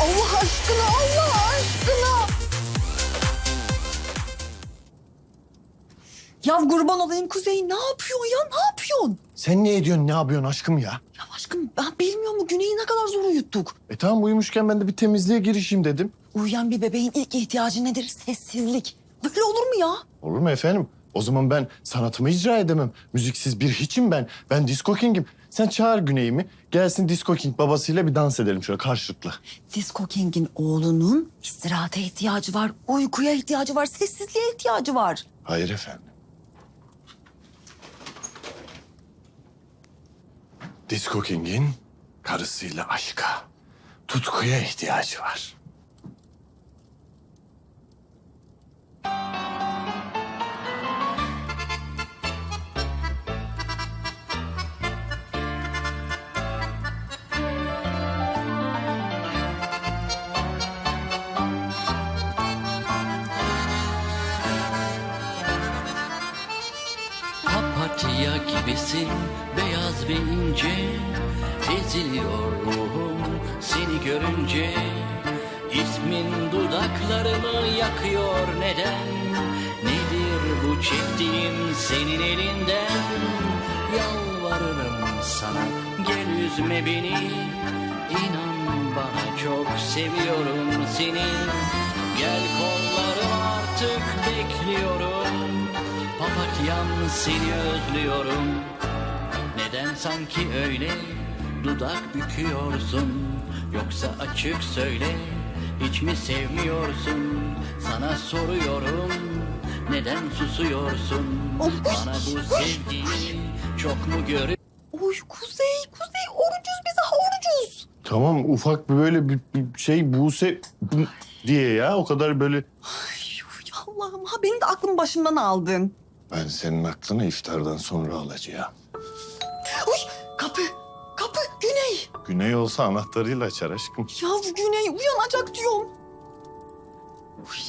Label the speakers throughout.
Speaker 1: Allah aşkına, Allah aşkına. Ya kurban olayım Kuzey, ne yapıyorsun ya, ne yapıyorsun?
Speaker 2: Sen ne ediyorsun, ne yapıyorsun aşkım ya?
Speaker 1: Ya aşkım ben bilmiyor mu Güney'i ne kadar zor uyuttuk.
Speaker 2: Tamam uyumuşken ben de bir temizliğe girişeyim dedim.
Speaker 1: Uyuyan bir bebeğin ilk ihtiyacı nedir? Sessizlik. Böyle olur mu ya?
Speaker 2: Olur mu efendim? O zaman ben sanatımı icra edemem. Müziksiz bir hiçim ben. Ben Disco King'im. Sen çağır Güney'imi. Gelsin Disco King babasıyla bir dans edelim şöyle karşılıklı.
Speaker 1: Disco King'in oğlunun istirahate ihtiyacı var, uykuya ihtiyacı var, sessizliğe ihtiyacı var.
Speaker 2: Hayır efendim. Disco King'in karısıyla aşka, tutkuya ihtiyacı var.
Speaker 3: Papatya gibisin beyaz ve ince, eziliyor ruhum seni görünce. İsmin dudaklarımı yakıyor neden? Nedir bu çektiğim senin elinden? Yalvarırım sana gel üzme beni. İnan bana çok seviyorum seni. Gel kollarım artık bekliyorum. Papatyam seni özlüyorum. Neden sanki öyle dudak büküyorsun? Yoksa açık söyle hiç mi sevmiyorsun? Sana soruyorum neden susuyorsun? Bana bu sevgiyi çok mu görüyorsun?
Speaker 1: Oy Kuzey, orucuz biz, orucuz.
Speaker 2: Tamam ufak böyle bir şey Buse diye ya o kadar böyle.
Speaker 1: Ay Allah'ım, ha benim de aklım başımdan aldın.
Speaker 2: Ben senin aklını iftardan sonra alacağım.
Speaker 1: Uy kapı, Güney.
Speaker 2: Güney olsa anahtarıyla açar aşkım.
Speaker 1: Ya Güney uyanacak diyorum. Uy.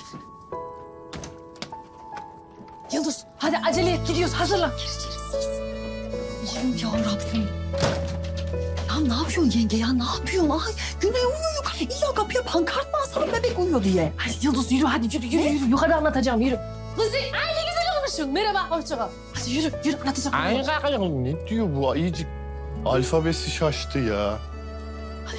Speaker 4: Yıldız hadi acele et gidiyoruz hazırlan.
Speaker 1: Allah'ım ya Rabbim. Ya ne yapıyorsun yenge ya, ne yapıyorsun? Ay Güney uyuyor. İlla kapıya pankart mı asalım bebek uyuyor diye.
Speaker 4: Hadi Yıldız yürü hadi yürü. Yukarıda anlatacağım yürü. Kızı ay ne güzel olmuşsun. Merhaba hoşça kal. Hadi yürü anlatacağım.
Speaker 2: Ne diyor bu ayıcık? Alfabesi şaştı ya.
Speaker 1: Hadi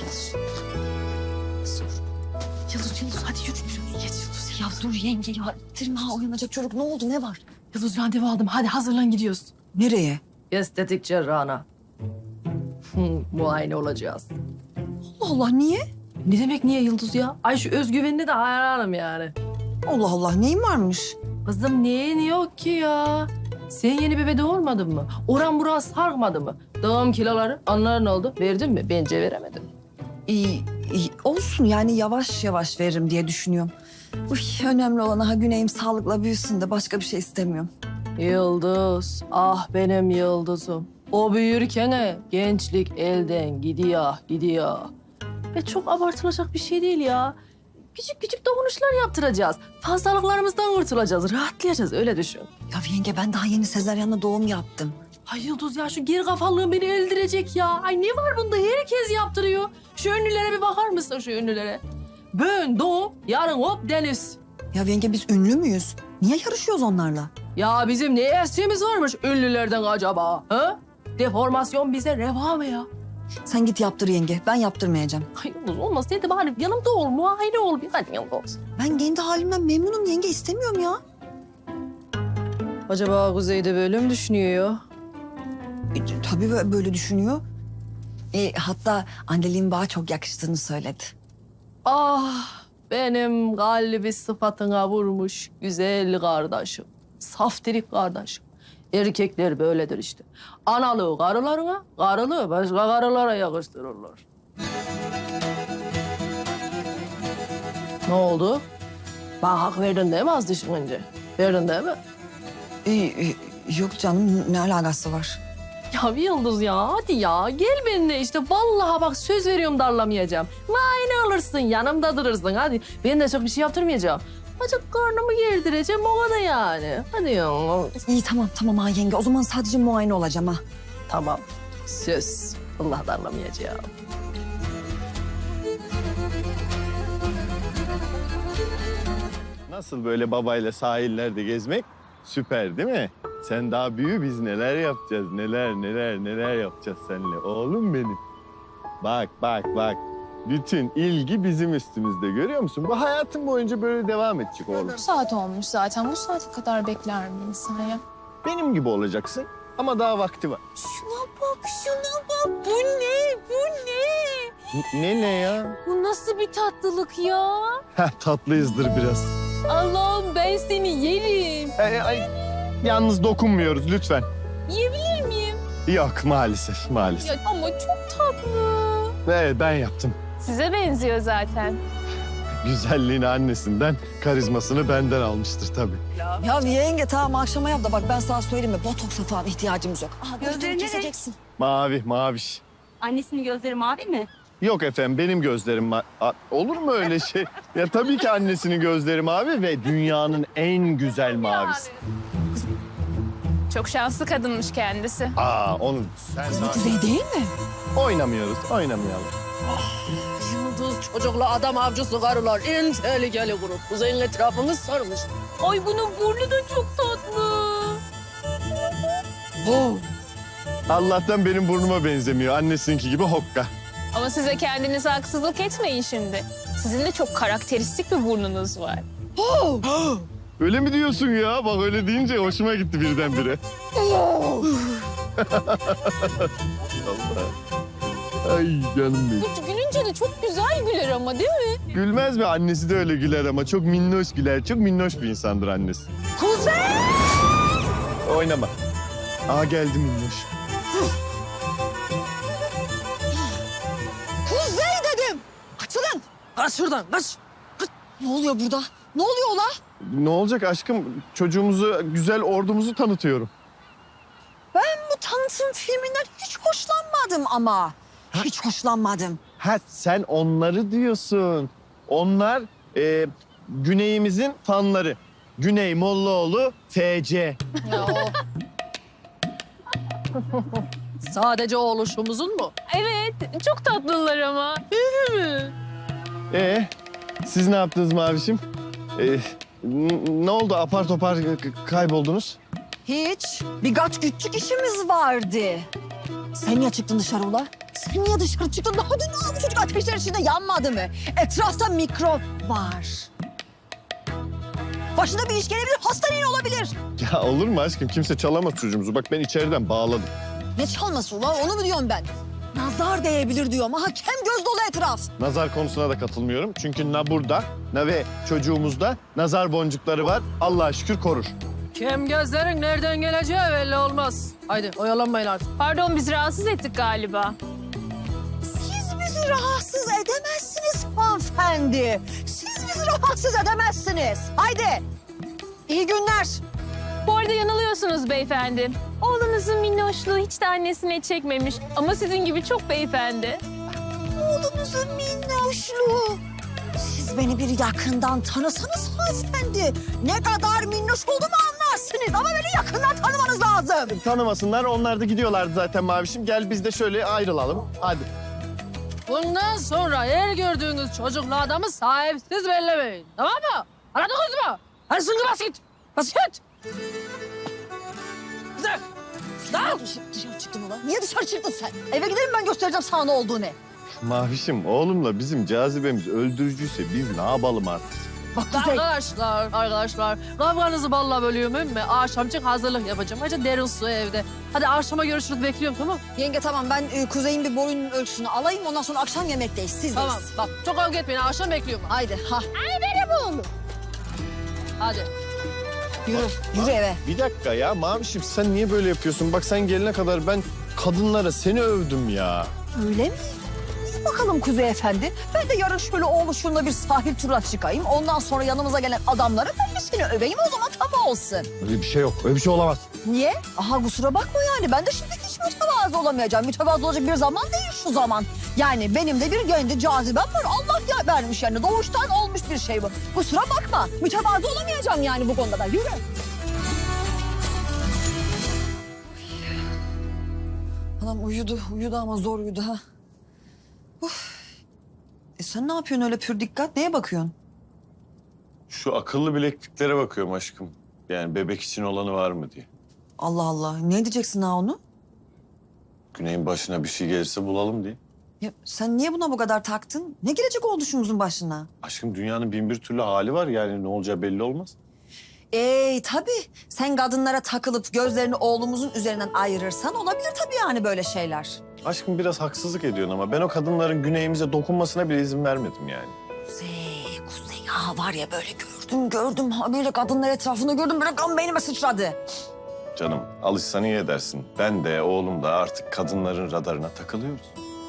Speaker 1: Yıldız hadi yürü. Geç Yıldız. Ya dur yenge ya. İttirme ha, uyanacak çocuk. Ne oldu, ne var?
Speaker 4: Yıldız randevu aldım hadi hazırlan gidiyoruz.
Speaker 1: Nereye?
Speaker 4: Estetik cerrahına. Muayene olacağız.
Speaker 1: Allah Allah, niye?
Speaker 4: Ne demek niye Yıldız ya? Ay şu özgüvenine de hayranım yani.
Speaker 1: Allah Allah, neyin varmış?
Speaker 4: Kızım neyin yok ki ya? Sen yeni bebe doğurmadın mı? Oran buran sarmadı mı? Doğum kiloları anların oldu. Verdin mi? Bence veremedim.
Speaker 1: İyi, olsun yani, yavaş yavaş veririm diye düşünüyorum. Uy, önemli olan ha Güney'im sağlıkla büyüsün de başka bir şey istemiyorum.
Speaker 4: Yıldız, ah benim yıldızım. O büyürken gençlik elden gidiyor. Ve çok abartılacak bir şey değil ya. Küçük dokunuşlar yaptıracağız. Fazlalıklarımızdan kurtulacağız, rahatlayacağız öyle düşün.
Speaker 1: Ya yenge ben daha yeni sezaryenle doğum yaptım.
Speaker 4: Ay Yıldız ya şu geri kafalığın beni öldürecek ya. Ay ne var bunda herkes yaptırıyor. Şu ünlülere bir bakar mısın şu ünlülere? Bugün doğum, yarın hop deniz.
Speaker 1: Ya yenge biz ünlü müyüz? Niye yarışıyoruz onlarla?
Speaker 4: Ya bizim ne eksiğimiz varmış ünlülerden acaba? Ha? Deformasyon bize reva mı ya?
Speaker 1: Sen git yaptır yenge, ben yaptırmayacağım.
Speaker 4: Ay Yıldız olmaz dedi bari yanımda ol, muayene ol. Hadi Yıldız.
Speaker 1: Ben kendi halimden memnunum yenge, istemiyorum ya.
Speaker 4: Acaba Kuzey'de böyle mi düşünüyor?
Speaker 1: Tabii böyle düşünüyor. Hatta anneliğin bana çok yakıştığını söyledi.
Speaker 4: Ah benim kalbi sıfatına vurmuş güzel kardeşim. Saftirik kardeşim. Erkekler böyledir işte. Analığı karılarına, karılığı başka karılara yakıştırırlar. Ne oldu? Bana hak verdin değil mi az düşününce? Verdin değil mi?
Speaker 1: Yok canım, ne alakası var?
Speaker 4: Ya bir Yıldız ya hadi ya gel benimle işte. Vallahi bak söz veriyorum darlamayacağım. Muayene alırsın yanımda durursun hadi. Ben de çok bir şey yaptırmayacağım. Acık karnımı gerdireceğim o kadar yani. Hadi ya.
Speaker 1: İyi tamam ha yenge, o zaman sadece muayene olacağım ha.
Speaker 4: Tamam söz. Allah darlamayacağım.
Speaker 2: Nasıl böyle babayla sahillerde gezmek? Süper değil mi? Sen daha büyü, biz neler yapacağız, neler yapacağız seninle. Oğlum benim. Bak. Bütün ilgi bizim üstümüzde, görüyor musun? Bu hayatın boyunca böyle devam edecek oğlum.
Speaker 5: Bu saat olmuş zaten. Bu saate kadar bekler mi insan ya?
Speaker 2: Benim gibi olacaksın ama daha vakti var.
Speaker 5: Şuna bak. Bu ne? Bu ne?
Speaker 2: Ne ya?
Speaker 5: Bu nasıl bir tatlılık ya?
Speaker 2: Heh, tatlıyızdır biraz.
Speaker 5: Allah'ım ben seni yerim.
Speaker 2: Yalnız dokunmuyoruz lütfen.
Speaker 5: Yiyebilir miyim?
Speaker 2: Yok maalesef.
Speaker 5: Ya ama çok tatlı.
Speaker 2: Evet, ben yaptım.
Speaker 5: Size benziyor zaten.
Speaker 2: Güzelliğini annesinden, karizmasını benden almıştır tabii.
Speaker 1: Ya yenge tamam akşama yap da bak ben sana söyleyeyim mi? Botoksa falan ihtiyacımız yok.
Speaker 6: Gözlerini
Speaker 1: keseceksin.
Speaker 2: Maviş.
Speaker 6: Annesinin gözleri mavi mi?
Speaker 2: Yok efendim, benim gözlerim olur mu öyle şey? Ya tabii ki annesinin gözleri mavi ve dünyanın en güzel mavisi.
Speaker 5: Çok şanslı kadınmış kendisi.
Speaker 2: Onu sen
Speaker 1: Bu Kuzey değil mi?
Speaker 2: oynamayalım.
Speaker 4: Yıldız çocuklu adam avcısı karılar. En tehlikeli grup. Kuzey'in etrafını sarmış.
Speaker 5: Ay bunun burnu da çok tatlı.
Speaker 2: Allah'tan benim burnuma benzemiyor. Annesininki gibi hokka.
Speaker 5: Ama size kendinize haksızlık etmeyin şimdi. Sizin de çok karakteristik bir burnunuz var.
Speaker 2: Öyle mi diyorsun ya? Bak öyle deyince hoşuma gitti birdenbire. Allah. Ay canım benim.
Speaker 5: Bu gülünce de çok güzel güler ama değil mi?
Speaker 2: Gülmez mi? Annesi de öyle güler ama çok minnoş güler. Çok minnoş bir insandır annesi.
Speaker 1: Kuzey!
Speaker 2: Oynama. Geldi minnoş.
Speaker 1: Kuzey dedim! Açılın!
Speaker 4: Kaç şuradan kaç.
Speaker 1: Ne oluyor burada? Ne oluyor ola?
Speaker 2: Ne olacak aşkım? Çocuğumuzu, güzel ordumuzu tanıtıyorum.
Speaker 1: Ben bu tanıtım filminden hiç hoşlanmadım ama. Hiç hoşlanmadım.
Speaker 2: Ha sen onları diyorsun. Onlar güneyimizin fanları. Güney Mollaoğlu FC.
Speaker 4: Sadece o oluşumuzun mu?
Speaker 5: Evet, çok tatlılar ama.
Speaker 2: Siz ne yaptınız Mavişim? Ne oldu? Apar topar kayboldunuz?
Speaker 1: Hiç. Birkaç küçük işimiz vardı. Sen niye çıktın dışarı ula? Sen niye dışarı çıktın? Daha dün bu çocuk ateşler içinde yanmadı mı? Etrafta mikrop var. Başına bir iş gelebilir, hastaneyin olabilir.
Speaker 2: Ya olur mu aşkım? Kimse çalamaz çocuğumuzu. Bak ben içeriden bağladım.
Speaker 1: Ne çalması ula? Onu mu diyorum ben? Nazar değebilir diyorum. Aha kem göz dolu etraf.
Speaker 2: Nazar konusuna da katılmıyorum. Çünkü na burada, na ve çocuğumuzda nazar boncukları var. Allah'a şükür korur.
Speaker 4: Kem gözlerin nereden geleceği belli olmaz. Haydi oyalanmayın artık.
Speaker 5: Pardon, biz rahatsız ettik galiba.
Speaker 1: Siz bizi rahatsız edemezsiniz hanımefendi. Siz bizi rahatsız edemezsiniz. Haydi. İyi günler.
Speaker 5: Bu arada yanılıyorsunuz beyefendi. Oğlunuzun minnoşluğu hiç de annesine çekmemiş. Ama sizin gibi çok beyefendi.
Speaker 1: Oğlunuzun minnoşluğu. Siz beni bir yakından tanısanız hanımefendi. Ne kadar minnoş olduğumu anlarsınız. Ama beni yakından tanımanız lazım.
Speaker 2: Tanımasınlar. Onlar da gidiyorlardı zaten Mavişim. Gel biz de şöyle ayrılalım. Hadi.
Speaker 4: Bundan sonra her gördüğünüz çocuklu adamı sahipsiz bellemeyin. Tamam mı? Anladınız mı? Hadi şimdi bas git. Bas git. Güzel.
Speaker 1: Dışarı çıktın ulan. Niye dışarı çıktın sen? Eve gidelim ben göstereceğim sana ne olduğunu.
Speaker 2: Mavişim oğlumla bizim cazibemiz öldürücüyse biz ne yapalım artık?
Speaker 1: Bak Kuzey.
Speaker 4: Arkadaşlar kavganızı balla bölüyorum mi? Akşamcık hazırlık yapacağım. Hadi derin su evde. Hadi akşama görüşürüz bekliyorum tamam.
Speaker 1: Yenge tamam ben Kuzey'in bir boyun ölçüsünü alayım. Ondan sonra akşam yemekteyiz. Sizdeyiz.
Speaker 4: Tamam bak çok kavga etmeyin akşam bekliyorum.
Speaker 1: Haydi. Ha.
Speaker 4: Hadi.
Speaker 1: Yürü eve.
Speaker 2: Bir dakika ya Mavişim sen niye böyle yapıyorsun? Bak sen gelene kadar ben kadınlara seni övdüm ya.
Speaker 1: Öyle mi? İyi bakalım Kuzey Efendi. Ben de yarın şöyle oğluşumla bir sahil turuna çıkayım. Ondan sonra yanımıza gelen adamları ben de seni öveyim. O zaman tamam olsun.
Speaker 2: Öyle bir şey yok. Öyle bir şey olamaz.
Speaker 1: Niye? Aha kusura bakma yani. Ben de şimdi hiç mütevazı olamayacağım. Mütevazı olacak bir zaman değil şu zaman. Yani benim de bir kendi cazibem var. Allah ya vermiş yani. Doğuştan olmuş bir şey bu. Kusura bakma. Mütevazı olamayacağım yani bu konuda da. Yürü. Adam uyudu ama zor uyudu ha. Sen ne yapıyorsun öyle pür dikkat? Neye bakıyorsun?
Speaker 2: Şu akıllı bilekliklere bakıyorum aşkım. Yani bebek için olanı var mı diye.
Speaker 1: Allah Allah. Ne diyeceksin ha onu?
Speaker 2: Güney'in başına bir şey gelirse bulalım diye.
Speaker 1: Ya sen niye buna bu kadar taktın? Ne gelecek oluşumuzun başına?
Speaker 2: Aşkım dünyanın bin bir türlü hali var yani ne olacağı belli olmaz.
Speaker 1: Tabii. Sen kadınlara takılıp gözlerini oğlumuzun üzerinden ayırırsan olabilir tabii yani böyle şeyler.
Speaker 2: Aşkım biraz haksızlık ediyorsun ama ben o kadınların güneyimize dokunmasına bile izin vermedim yani.
Speaker 1: Kuzey ya var ya böyle gördüm. Ha böyle kadınlar etrafında gördüm böyle kan beynime sıçradı.
Speaker 2: Canım alışsan iyi edersin. Ben de oğlum da artık kadınların radarına takılıyoruz.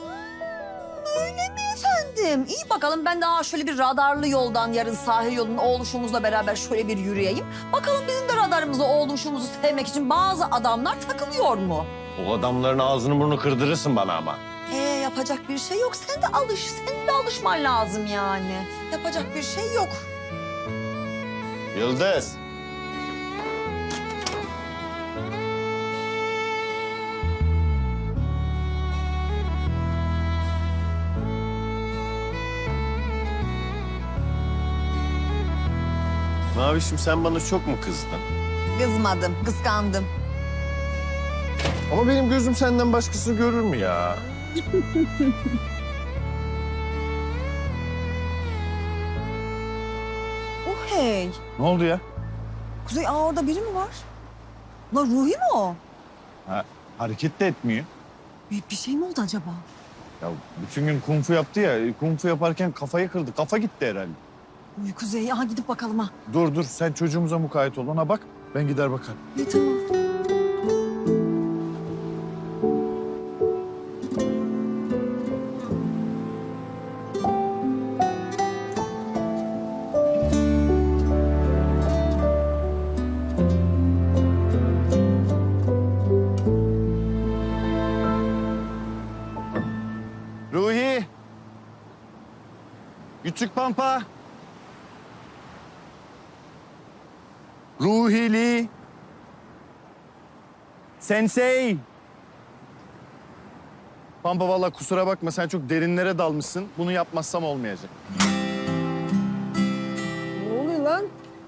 Speaker 1: Efendim iyi bakalım ben daha şöyle bir radarlı yoldan yarın sahil yolunun oğluşumuzla beraber şöyle bir yürüyeyim. Bakalım bizim de radarımıza oğluşumuzu sevmek için bazı adamlar takılıyor mu?
Speaker 2: O adamların ağzını burnunu kırdırırsın bana ama.
Speaker 1: Yapacak bir şey yok. Sen de alış. Senin de alışman lazım yani. Yapacak bir şey yok.
Speaker 2: Yıldız. Mavişim sen bana çok mu kızdın?
Speaker 1: Kızmadım, kıskandım.
Speaker 2: Ama benim gözüm senden başkasını görür mü ya?
Speaker 1: Oh hey.
Speaker 2: Ne oldu ya?
Speaker 1: Kuzey orada biri mi var? La Ruhi mi o?
Speaker 2: Ha, hareket de etmiyor.
Speaker 1: Bir şey mi oldu acaba?
Speaker 2: Ya bütün gün kung fu yaptı ya. Kung fu yaparken kafayı kırdı. Kafa gitti herhalde.
Speaker 1: Uy Kuzey, gidip bakalım ha.
Speaker 2: Dur sen çocuğumuza mukayyet ol. Ona bak. Ben gider bakarım.
Speaker 1: İyi tamam.
Speaker 2: Ruhi. Küçük Pampa. Ruhili. Sensei. Pampa vallahi kusura bakma sen çok derinlere dalmışsın. Bunu yapmazsam olmayacak.
Speaker 7: Ne oluyor lan?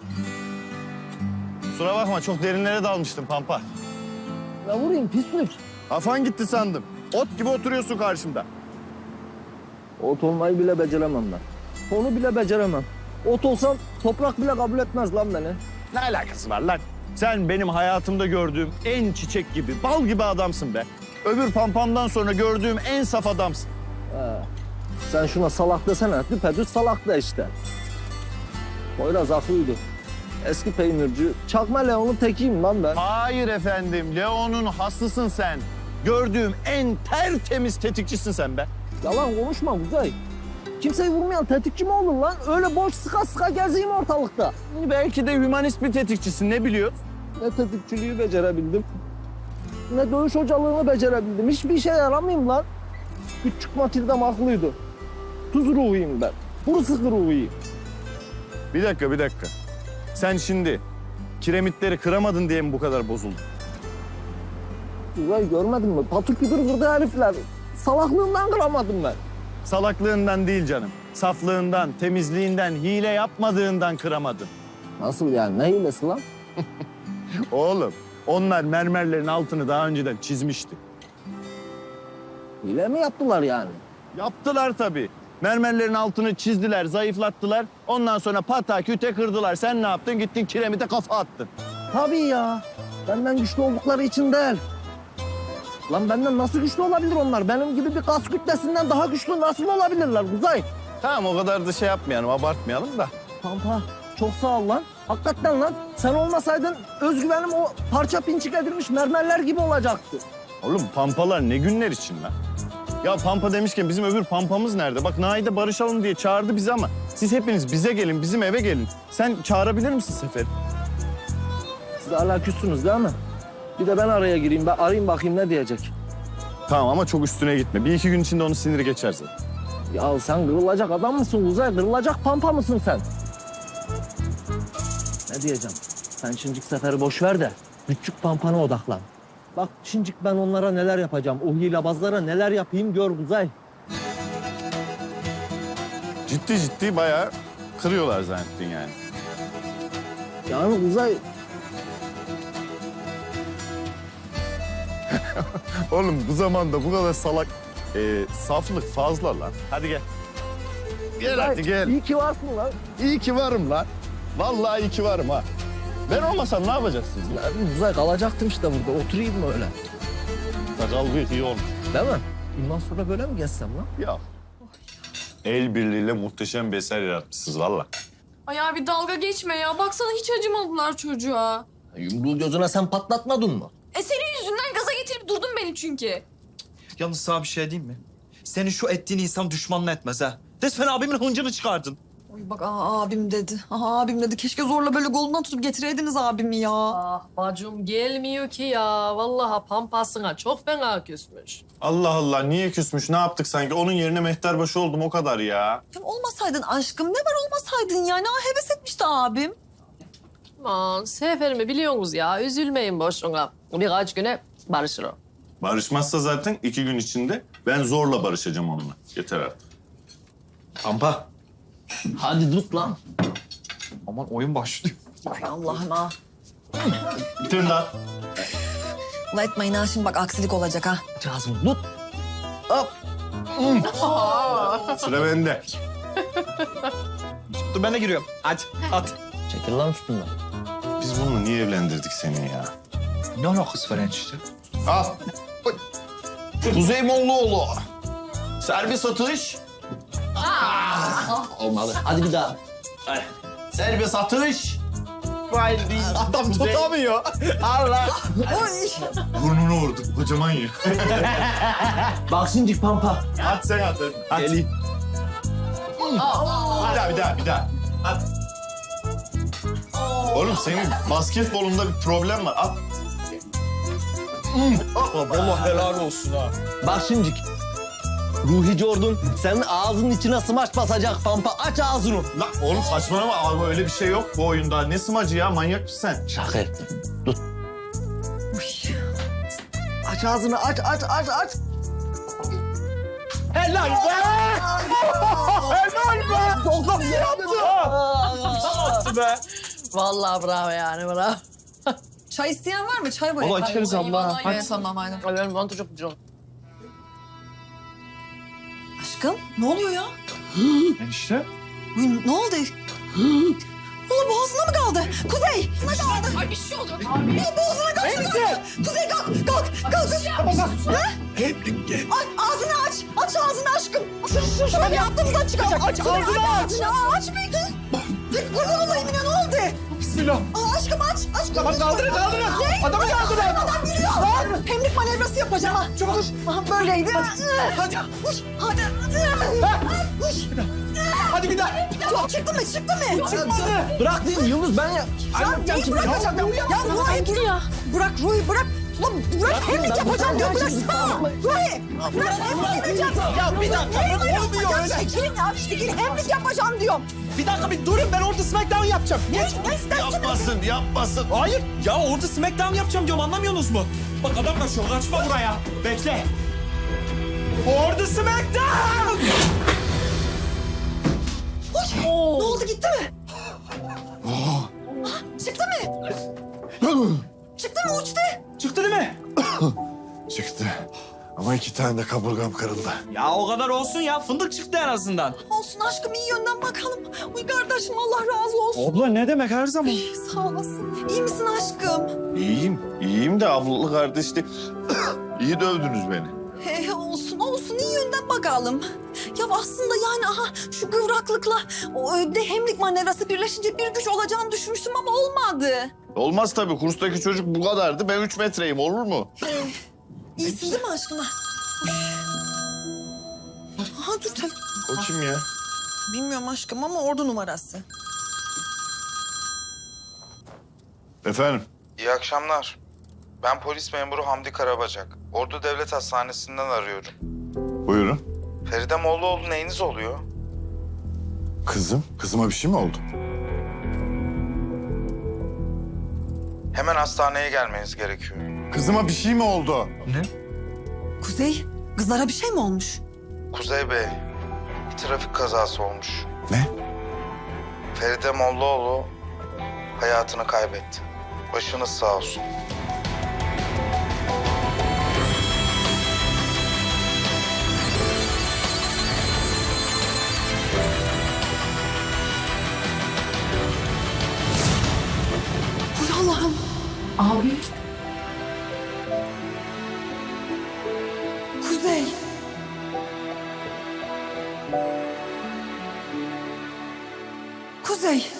Speaker 2: Kusura bakma çok derinlere dalmıştım Pampa.
Speaker 7: La vurayım pislik.
Speaker 2: Kafan gitti sandım. Ot gibi oturuyorsun karşımda.
Speaker 7: Ot olmayı bile beceremem ben. Onu bile beceremem. Ot olsam toprak bile kabul etmez lan beni.
Speaker 2: Ne alakası var lan? Sen benim hayatımda gördüğüm en çiçek gibi, bal gibi adamsın be. Öbür pampamdan sonra gördüğüm en saf adamsın.
Speaker 7: Sen şuna salak desene. Düpedüz salak da işte. Poyraz haklıydı. Eski peynirci. Çakma Leon'un tekiyim lan ben.
Speaker 2: Hayır efendim, Leon'un haslısın sen. Gördüğüm en tertemiz tetikçisin sen be.
Speaker 7: Yalan konuşma Kuzey. Kimseyi vurmayan tetikçi mi olur lan? Öyle boş sıka sıka gezeyim ortalıkta.
Speaker 2: Belki de hümanist bir tetikçisin, ne biliyorsun?
Speaker 7: Ne tetikçiliği becerebildim. Ne dövüş hocalığını becerebildim. Hiçbir işe yaramayayım lan. Küçük Matilda'm haklıydı. Tuz ruhuyum ben. Kuru sıkı ruhuyum.
Speaker 2: Bir dakika. Sen şimdi kiremitleri kıramadın diye mi bu kadar bozuldun?
Speaker 7: Uzay görmedin mi? Patır kütür kırdı herifler. Salaklığından kıramadım ben.
Speaker 2: Salaklığından değil canım. Saflığından, temizliğinden, hile yapmadığından kıramadın.
Speaker 7: Nasıl yani? Ne hilesi lan?
Speaker 2: Oğlum, onlar mermerlerin altını daha önceden çizmişti.
Speaker 7: Hile mi yaptılar yani?
Speaker 2: Yaptılar tabii. Mermerlerin altını çizdiler, zayıflattılar. Ondan sonra pata küte kırdılar. Sen ne yaptın? Gittin kiremite kafa attın.
Speaker 7: Tabii ya. Benden güçlü oldukları için değil. Lan benden nasıl güçlü olabilir onlar? Benim gibi bir kas kütlesinden daha güçlü nasıl olabilirler Uzay?
Speaker 2: Tamam o kadar da şey yapmayalım, abartmayalım da.
Speaker 7: Pampa çok sağ ol lan. Hakikaten lan. Sen olmasaydın özgüvenim o parça pinçik edilmiş mermerler gibi olacaktı.
Speaker 2: Oğlum pampalar ne günler için lan? Ya Pampa demişken bizim öbür Pampamız nerede? Bak Naide barışalım diye çağırdı bizi ama siz hepiniz bize gelin, bizim eve gelin. Sen çağırabilir misin Sefer?
Speaker 7: Siz hala küssünüz değil mi? Bir de ben araya gireyim. Ben arayayım bakayım ne diyecek.
Speaker 2: Tamam ama çok üstüne gitme. Bir iki gün içinde onun siniri geçer zaten.
Speaker 7: Ya sen kırılacak adam mısın Uzay? Kırılacak pampa mısın sen? Ne diyeceğim? Sen Şincik Sefer'i boş ver de küçük pampana odaklan. Bak Şincik ben onlara neler yapacağım. O hilebazlara neler yapayım gör Uzay.
Speaker 2: Ciddi bayağı kırıyorlar zannettin yani.
Speaker 7: Yani Kuzey
Speaker 2: Oğlum bu zamanda bu kadar salak saflık fazla lan. Hadi gel. Gel hadi gel.
Speaker 7: iyi ki varsın lan.
Speaker 2: İyi ki varım lan. Vallahi iyi ki varım ha. Ben olmasam ne yapacaksınız lan?
Speaker 7: Ya Kuzey kalacaktım işte burada. Oturayım öyle.
Speaker 2: Kavga iyi olmuş.
Speaker 7: Değil mi? Bundan sonra böyle mi gezsem lan?
Speaker 2: Ya. El birliğiyle muhteşem bir eser yaratmışsınız valla.
Speaker 8: Ay abi dalga geçme ya. Baksana hiç acımadılar çocuğa.
Speaker 7: Yumruğu gözüne sen patlatmadın mı?
Speaker 8: Senin yüzünden gaza getirip durdun beni çünkü.
Speaker 9: Yalnız sana bir şey diyeyim mi? Senin şu ettiğin insan düşmanla etmez ha. Resmen abimin hıncını çıkardın.
Speaker 10: Ay bak abim dedi. Abim dedi. Keşke zorla böyle kolundan tutup getireydiniz abimi ya.
Speaker 4: Ah bacım gelmiyor ki ya. Vallahi pampasına çok fena küsmüş.
Speaker 2: Allah Allah niye küsmüş ne yaptık sanki? Onun yerine mehterbaşı oldum o kadar ya.
Speaker 10: Ya olmasaydın aşkım ne var olmasaydın yani. Heves etmişti abim.
Speaker 4: Aman seferimi biliyorsunuz ya. Üzülmeyin boşuna. Birkaç güne barışır o.
Speaker 2: Barışmazsa zaten 2 gün içinde ben zorla barışacağım onunla. Yeter artık.
Speaker 9: Pampa.
Speaker 7: Hadi tut lan.
Speaker 9: Aman oyun başlıyor.
Speaker 10: Ay Allah'ım ha.
Speaker 2: Bitirin lan.
Speaker 10: Ula etmeyin ha şimdi bak aksilik olacak ha.
Speaker 7: Cazım tut. Hop.
Speaker 2: Sıra bende.
Speaker 9: Dur ben de giriyorum. Hadi at.
Speaker 7: Çekil lan üstünden.
Speaker 2: Biz bununla niye evlendirdik seni ya?
Speaker 9: Ne alakası var enişte?
Speaker 2: Al. Kuzey Mollaoğlu. Serbest atış.
Speaker 7: Olmadı. Hadi bir daha.
Speaker 2: Serbest atış.
Speaker 9: Adam tutamıyor.
Speaker 2: Allah.
Speaker 10: Oy.
Speaker 2: Burnunu vurdum. Kocaman ya.
Speaker 7: Bak şimdi pampa.
Speaker 2: At sen at. At.
Speaker 7: Geleyim.
Speaker 2: Bir daha. At. Oğlum senin basketbolunda bir problem var. At.
Speaker 9: Vallahi helal olsun ha.
Speaker 7: Bak şimdi. Ruhi Jordan senin ağzının içine smaç basacak pampa. Aç ağzını.
Speaker 2: Lan oğlum saçmalama abi öyle bir şey yok bu oyunda. Ne smacı ya manyak mısın sen?
Speaker 7: Şaka ettim. Tut. Aç ağzını aç.
Speaker 9: Helal be! Helal be! Oğlum yaptı be.
Speaker 4: Vallahi bravo yani bravo.
Speaker 10: Çay isteyen var mı? Çay koyayım.
Speaker 9: Vallahi içeriz abla.
Speaker 10: Hadi. Evet, tamam aynen.
Speaker 4: Ay benim mantı çok güzel.
Speaker 10: Aşkım ne oluyor ya?
Speaker 9: Enişte?
Speaker 10: Uy, ne oldu? Oğlum boğazına mı kaldı? Kuzey! Boğazına kaldı.
Speaker 8: Ay bir şey oldu.
Speaker 10: Ya boğazına kaldı. Kuzey kalk. Ağzını aç. Aç ağzını aşkım. Şunu yaptığımızdan çıkacak. Aç ağzını aç bir kız. Kurban olayım yine ne oldu?
Speaker 9: Bismillah.
Speaker 10: Aşkım aç.
Speaker 9: Tamam kaldırın.
Speaker 10: Ne?
Speaker 9: Adamı kaldırın.
Speaker 10: Adam geliyor. Hemlik manevrası yapacağım ha. Çabuk. Aha böyleydi.
Speaker 9: Hadi.
Speaker 10: Hadi.
Speaker 9: Hadi bir daha.
Speaker 10: Çıktı mı?
Speaker 7: Çıkmadı. Bırak diyeyim Yıldız ben ya.
Speaker 10: Ya neyi bırakacağım? Ya Ruhi dur ya. Bırak Ruhi bırak. Ulan bırak hemlik yapacağım diyor bıraksana. Ruhi. Bırak hemlik yapacağım.
Speaker 9: Ya bir dakika. Olmuyor öyle.
Speaker 10: Çekilin ya çekilin hemlik yapacağım diyorum.
Speaker 9: Bir dakika bir durun ben orada smackdown yapacağım.
Speaker 10: Ne istersin?
Speaker 2: Yapmasın.
Speaker 9: Hayır. Ya orada smackdown yapacağım diyorum anlamıyorsunuz mu? Bak adam kaçıyor kaçma buraya. Bekle. Orada smackdown.
Speaker 10: Ne oldu gitti mi? Çıktı mı? Çıktı mı uçtu?
Speaker 9: Çıktı değil mi?
Speaker 2: Çıktı. Ama 2 tane de kaburgam kırıldı.
Speaker 9: Ya o kadar olsun ya. Fındık çıktı en azından.
Speaker 10: Olsun aşkım iyi yönden bakalım. Uy kardeşim Allah razı olsun.
Speaker 9: Abla ne demek her zaman?
Speaker 10: Sağ olasın. İyi misin aşkım?
Speaker 2: İyiyim de ablalı kardeşti. İyi dövdünüz beni.
Speaker 10: Olsun iyi yönden bakalım. Ya aslında yani şu kıvraklıkla o öyle hemlik manevrası birleşince bir güç olacağını düşünmüştüm ama olmadı.
Speaker 2: Olmaz tabii. Kurstaki çocuk bu kadardı. Ben 3 metreyim. Olur mu?
Speaker 10: İyisin değil mi aşkım? Dur telefon.
Speaker 2: O kim ya?
Speaker 10: Bilmiyorum aşkım ama ordu numarası.
Speaker 2: Efendim?
Speaker 11: İyi akşamlar. Ben polis memuru Hamdi Karabacak. Ordu Devlet Hastanesi'nden arıyorum.
Speaker 2: Buyurun.
Speaker 11: Feride Mollaoğlu neyiniz oluyor?
Speaker 2: Kızım? Kızıma bir şey mi oldu?
Speaker 11: Hemen hastaneye gelmeniz gerekiyor.
Speaker 2: Kızıma bir şey mi oldu?
Speaker 10: Kuzey, kızlara bir şey mi olmuş?
Speaker 11: Kuzey Bey, bir trafik kazası olmuş.
Speaker 2: Ne?
Speaker 11: Feride Mollaoğlu hayatını kaybetti. Başınız sağ olsun.
Speaker 10: Hay Allah'ım.
Speaker 4: Abi.
Speaker 10: Kuzey. Kuzey.